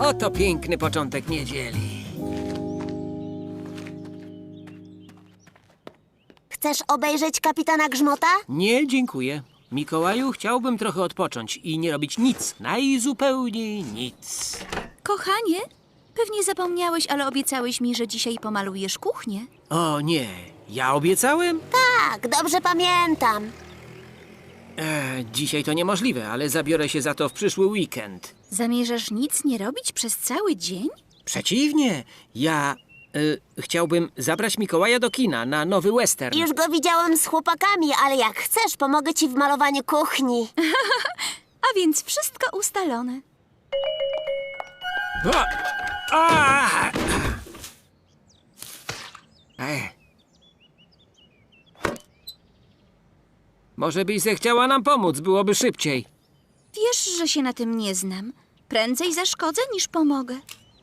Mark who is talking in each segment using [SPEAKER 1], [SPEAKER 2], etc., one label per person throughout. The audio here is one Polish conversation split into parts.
[SPEAKER 1] Oto piękny początek niedzieli.
[SPEAKER 2] Chcesz obejrzeć kapitana Grzmota?
[SPEAKER 1] Nie, dziękuję. Mikołaju, chciałbym trochę odpocząć i nie robić nic, najzupełniej nic.
[SPEAKER 3] Kochanie, pewnie zapomniałeś, ale obiecałeś mi, że dzisiaj pomalujesz kuchnię.
[SPEAKER 1] O nie, ja obiecałem?
[SPEAKER 2] Tak, dobrze pamiętam.
[SPEAKER 1] Dzisiaj to niemożliwe, ale zabiorę się za to w przyszły weekend.
[SPEAKER 3] Zamierzasz nic nie robić przez cały dzień?
[SPEAKER 1] Przeciwnie, ja chciałbym zabrać Mikołaja do kina na nowy western.
[SPEAKER 2] Już go widziałem z chłopakami, ale jak chcesz, pomogę ci w malowaniu kuchni.
[SPEAKER 3] A więc wszystko ustalone.
[SPEAKER 1] O! A! Może byś zechciała nam pomóc, byłoby szybciej.
[SPEAKER 3] Wiesz, że się na tym nie znam. Prędzej zaszkodzę niż pomogę.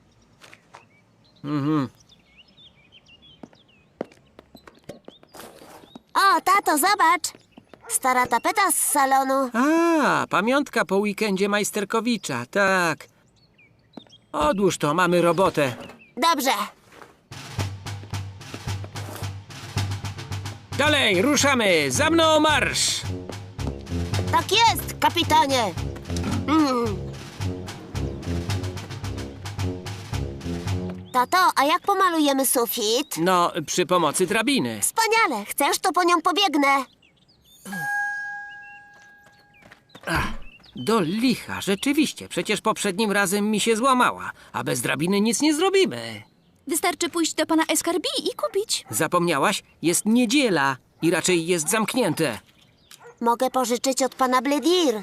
[SPEAKER 2] O, tato, zobacz. Stara tapeta z salonu.
[SPEAKER 1] A, pamiątka po weekendzie Majsterkowicza, tak. Odłóż to, mamy robotę.
[SPEAKER 2] Dobrze.
[SPEAKER 1] Dalej, ruszamy! Za mną marsz!
[SPEAKER 2] Tak jest, kapitanie. Tato, a jak pomalujemy sufit?
[SPEAKER 1] No, przy pomocy drabiny.
[SPEAKER 2] Wspaniale. Chcesz, to po nią pobiegnę.
[SPEAKER 1] Do licha, rzeczywiście. Przecież poprzednim razem mi się złamała, a bez drabiny nic nie zrobimy.
[SPEAKER 3] Wystarczy pójść do pana Escarbi i kupić.
[SPEAKER 1] Zapomniałaś? Jest niedziela i raczej jest zamknięte.
[SPEAKER 2] Mogę pożyczyć od pana Bledir.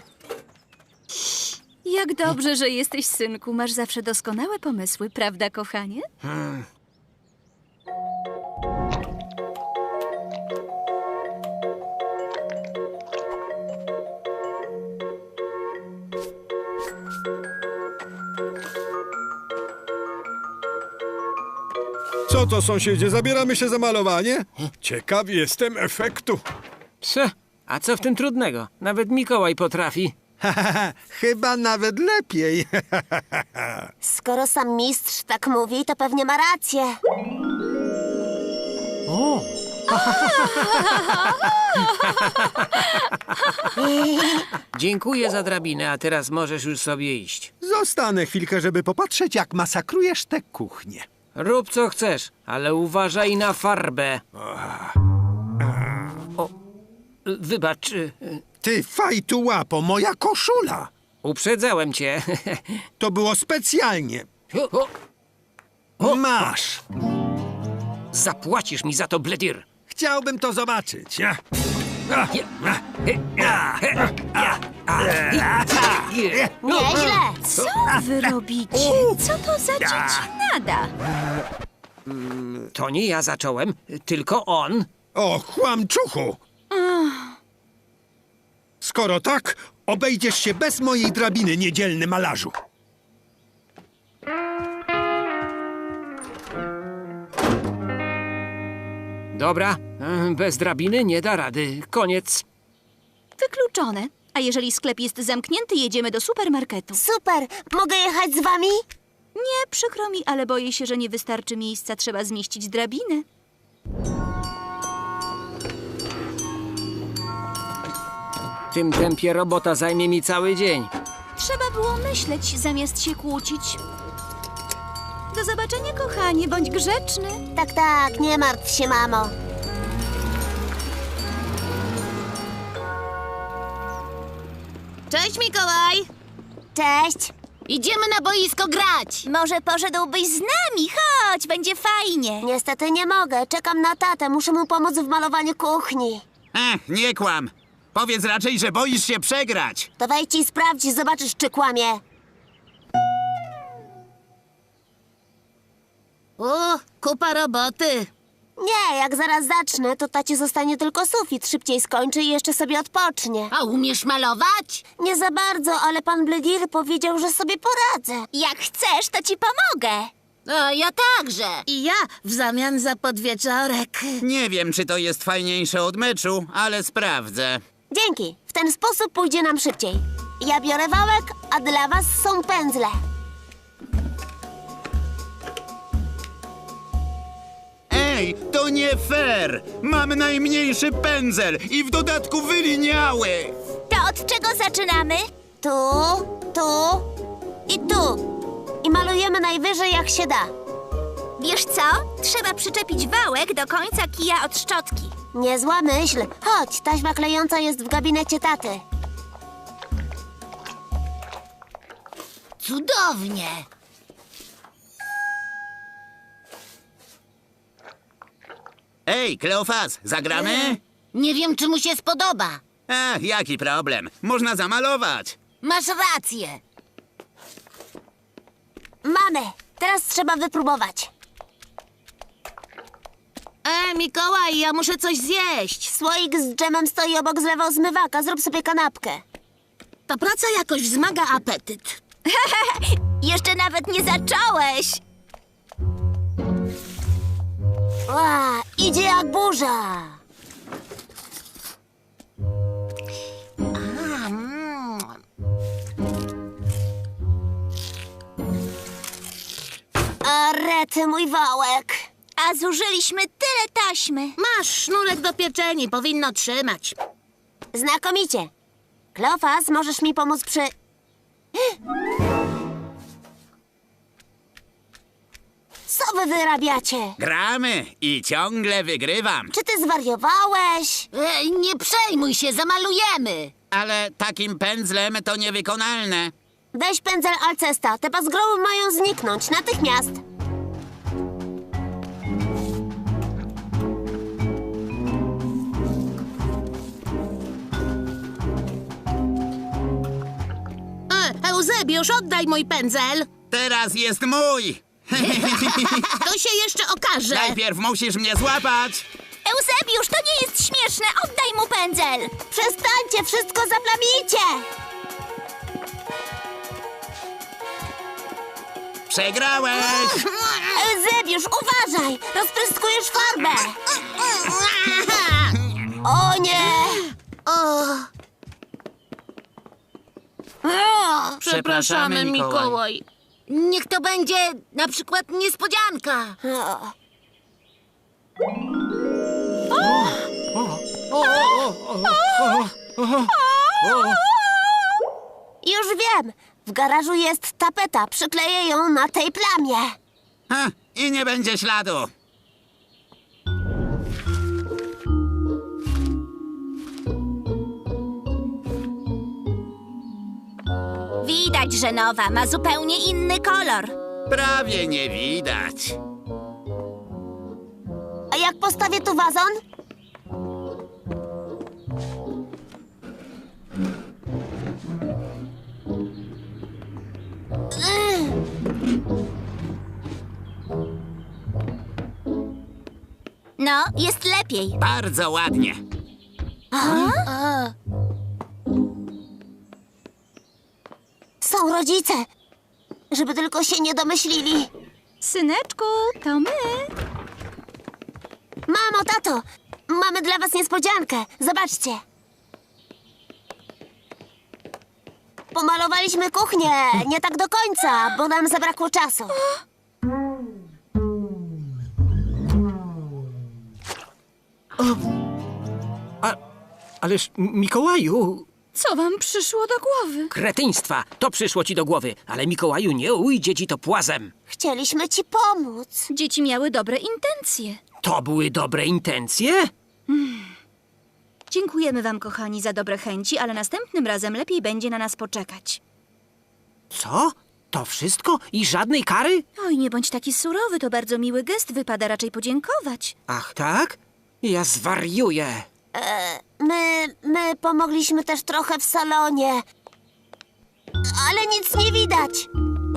[SPEAKER 3] Jak dobrze, że jesteś, synku. Masz zawsze doskonałe pomysły, prawda, kochanie?
[SPEAKER 4] Co to, sąsiedzie? Zabieramy się za malowanie? Ciekaw jestem efektu.
[SPEAKER 1] A co w tym trudnego? Nawet Mikołaj potrafi.
[SPEAKER 4] Chyba nawet lepiej.
[SPEAKER 2] Skoro sam mistrz tak mówi, to pewnie ma rację.
[SPEAKER 1] O! Dziękuję za drabinę, a teraz możesz już sobie iść.
[SPEAKER 4] Zostanę chwilkę, żeby popatrzeć, jak masakrujesz tę kuchnię.
[SPEAKER 1] Rób co chcesz, ale uważaj na farbę. O, wybacz,
[SPEAKER 4] Ty fajtu łapo, moja koszula!
[SPEAKER 1] uprzedzałem cię.
[SPEAKER 4] To było specjalnie. Masz!
[SPEAKER 1] Zapłacisz mi za to, Bledir.
[SPEAKER 4] Chciałbym to zobaczyć.
[SPEAKER 2] Nieźle.
[SPEAKER 3] Co wy robicie? Co to za dziecinada?
[SPEAKER 1] To nie ja zacząłem, tylko on.
[SPEAKER 4] O, chłamczuchu! Skoro tak, obejdziesz się bez mojej drabiny, niedzielny malarzu.
[SPEAKER 1] Dobra, bez drabiny nie da rady. Koniec.
[SPEAKER 3] Wykluczone. A jeżeli sklep jest zamknięty, jedziemy do supermarketu.
[SPEAKER 2] Super. Mogę jechać z wami?
[SPEAKER 3] Nie, przykro mi, ale boję się, że nie wystarczy miejsca. Trzeba zmieścić drabinę.
[SPEAKER 1] W tym tempie robota zajmie mi cały dzień.
[SPEAKER 3] Trzeba było myśleć, zamiast się kłócić. Do zobaczenia, kochanie. Bądź grzeczny.
[SPEAKER 2] Tak, tak. Nie martw się, mamo.
[SPEAKER 5] Cześć, Mikołaj!
[SPEAKER 2] Cześć.
[SPEAKER 5] Idziemy na boisko grać!
[SPEAKER 3] Może poszedłbyś z nami? Chodź, będzie fajnie.
[SPEAKER 2] Niestety nie mogę. Czekam na tatę. Muszę mu pomóc w malowaniu kuchni.
[SPEAKER 6] Nie kłam. Powiedz raczej, że boisz się przegrać.
[SPEAKER 2] To wejdź i sprawdź, zobaczysz, czy kłamie.
[SPEAKER 5] Kupa roboty.
[SPEAKER 2] Nie, jak zaraz zacznę, to tacie zostanie tylko sufit. Szybciej skończy i jeszcze sobie odpocznie.
[SPEAKER 5] A umiesz malować?
[SPEAKER 2] Nie za bardzo, ale pan Bledir powiedział, że sobie poradzę.
[SPEAKER 3] Jak chcesz, to ci pomogę.
[SPEAKER 5] A ja także. I ja w zamian za podwieczorek.
[SPEAKER 6] Nie wiem, czy to jest fajniejsze od meczu, ale sprawdzę.
[SPEAKER 2] Dzięki. W ten sposób pójdzie nam szybciej. Ja biorę wałek, a dla was są pędzle.
[SPEAKER 6] mniej! To nie fair! Mam najmniejszy pędzel i w dodatku wyliniały!
[SPEAKER 3] To od czego zaczynamy?
[SPEAKER 2] Tu, tu i tu. I malujemy najwyżej jak się da.
[SPEAKER 3] Wiesz co? Trzeba przyczepić wałek do końca kija od szczotki.
[SPEAKER 2] Niezła myśl. Chodź, taśma klejąca jest w gabinecie taty.
[SPEAKER 5] Cudownie.
[SPEAKER 6] Ej, Kleofas, zagramy?
[SPEAKER 5] Nie wiem, czy mu się spodoba.
[SPEAKER 6] Ach, jaki problem? Można zamalować.
[SPEAKER 5] Masz rację.
[SPEAKER 2] Mamy. Teraz trzeba wypróbować.
[SPEAKER 5] Mikołaj, ja muszę coś zjeść.
[SPEAKER 2] Słoik z dżemem stoi obok zlewa zmywaka. Zrób sobie kanapkę.
[SPEAKER 5] Ta praca jakoś wzmaga apetyt.
[SPEAKER 3] Jeszcze nawet nie zacząłeś.
[SPEAKER 2] Ła, idzie jak burza. A rety, mój wałek.
[SPEAKER 3] A zużyliśmy tyle taśmy.
[SPEAKER 5] Masz sznurek do pieczeni, powinno trzymać.
[SPEAKER 2] Znakomicie. Kleofas, możesz mi pomóc przy... Co wy wyrabiacie?
[SPEAKER 6] Gramy i ciągle wygrywam.
[SPEAKER 2] Czy ty zwariowałeś?
[SPEAKER 5] Nie przejmuj się, zamalujemy.
[SPEAKER 6] Ale takim pędzlem to niewykonalne.
[SPEAKER 2] Weź pędzel Alcesta. Te pazgroły mają zniknąć natychmiast.
[SPEAKER 5] Eusebiusz, oddaj mój pędzel.
[SPEAKER 6] Teraz jest mój!
[SPEAKER 5] To się jeszcze okaże.
[SPEAKER 6] Najpierw musisz mnie złapać!
[SPEAKER 3] Eusebiusz, to nie jest śmieszne. Oddaj mu pędzel.
[SPEAKER 2] Przestańcie, wszystko zaplamicie!
[SPEAKER 6] Przegrałeś!
[SPEAKER 2] Eusebiusz, uważaj! Rozpryskujesz farbę! O nie!
[SPEAKER 6] Przepraszamy, Mikołaj.
[SPEAKER 5] Niech to będzie na przykład niespodzianka.
[SPEAKER 2] O. Już wiem! W garażu jest tapeta. Przykleję ją na tej plamie.
[SPEAKER 6] Ha, i nie będzie śladu.
[SPEAKER 3] Widać, że nowa ma zupełnie inny kolor.
[SPEAKER 6] Prawie nie widać.
[SPEAKER 2] A jak postawię tu wazon?
[SPEAKER 3] No, jest lepiej.
[SPEAKER 6] Bardzo ładnie.
[SPEAKER 2] Są rodzice. Żeby tylko się nie domyślili.
[SPEAKER 3] Syneczku, to my.
[SPEAKER 2] Mamo, tato, mamy dla was niespodziankę. Zobaczcie. Pomalowaliśmy kuchnię. Nie tak do końca, bo nam zabrakło czasu.
[SPEAKER 1] Ależ, Mikołaju,
[SPEAKER 3] Co wam przyszło do głowy?
[SPEAKER 1] kretyństwa, to przyszło ci do głowy, ale Mikołaju, nie ujdzie ci to płazem.
[SPEAKER 2] Chcieliśmy ci pomóc.
[SPEAKER 3] Dzieci miały dobre intencje.
[SPEAKER 1] To były dobre intencje?
[SPEAKER 3] Dziękujemy wam, kochani, za dobre chęci, ale następnym razem lepiej będzie na nas poczekać.
[SPEAKER 1] Co? To wszystko? I żadnej kary?
[SPEAKER 3] Oj, nie bądź taki surowy, to bardzo miły gest, wypada raczej podziękować.
[SPEAKER 1] Ach, tak? Ja zwariuję.
[SPEAKER 2] My pomogliśmy też trochę w salonie. Ale nic nie widać.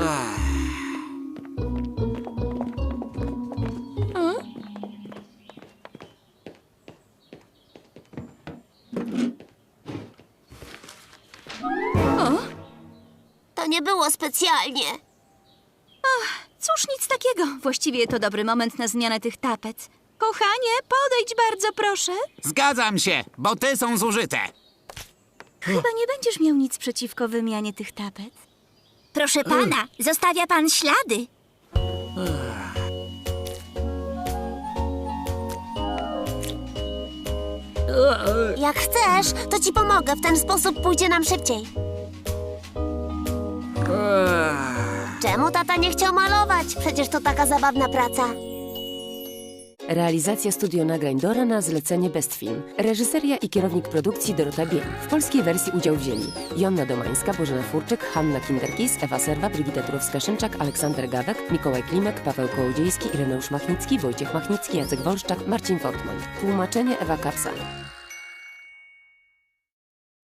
[SPEAKER 2] To nie było specjalnie.
[SPEAKER 3] Cóż, nic takiego. Właściwie to dobry moment na zmianę tych tapet. Kochanie, podejdź bardzo, proszę.
[SPEAKER 6] Zgadzam się, bo te są zużyte.
[SPEAKER 3] Chyba nie będziesz miał nic przeciwko wymianie tych tapet. Proszę pana, zostawia pan ślady.
[SPEAKER 2] Jak chcesz, to ci pomogę. W ten sposób pójdzie nam szybciej. Czemu tata nie chciał malować? Przecież to taka zabawna praca.
[SPEAKER 7] Realizacja studio nagrań Dora na zlecenie Best Film. Reżyseria i kierownik produkcji Dorota Biel. W polskiej wersji udział wzięli Jonna Domańska, Bożena Furczyk, Hanna Kinderkis, Ewa Serwa, Brygita Turowska-Szymczak, Aleksander Gawek, Mikołaj Klimek, Paweł Kołodziejski, Ireneusz Machnicki, Wojciech Machnicki, Jacek Wolszczak, Marcin Fortman. Tłumaczenie Ewa Kapsal.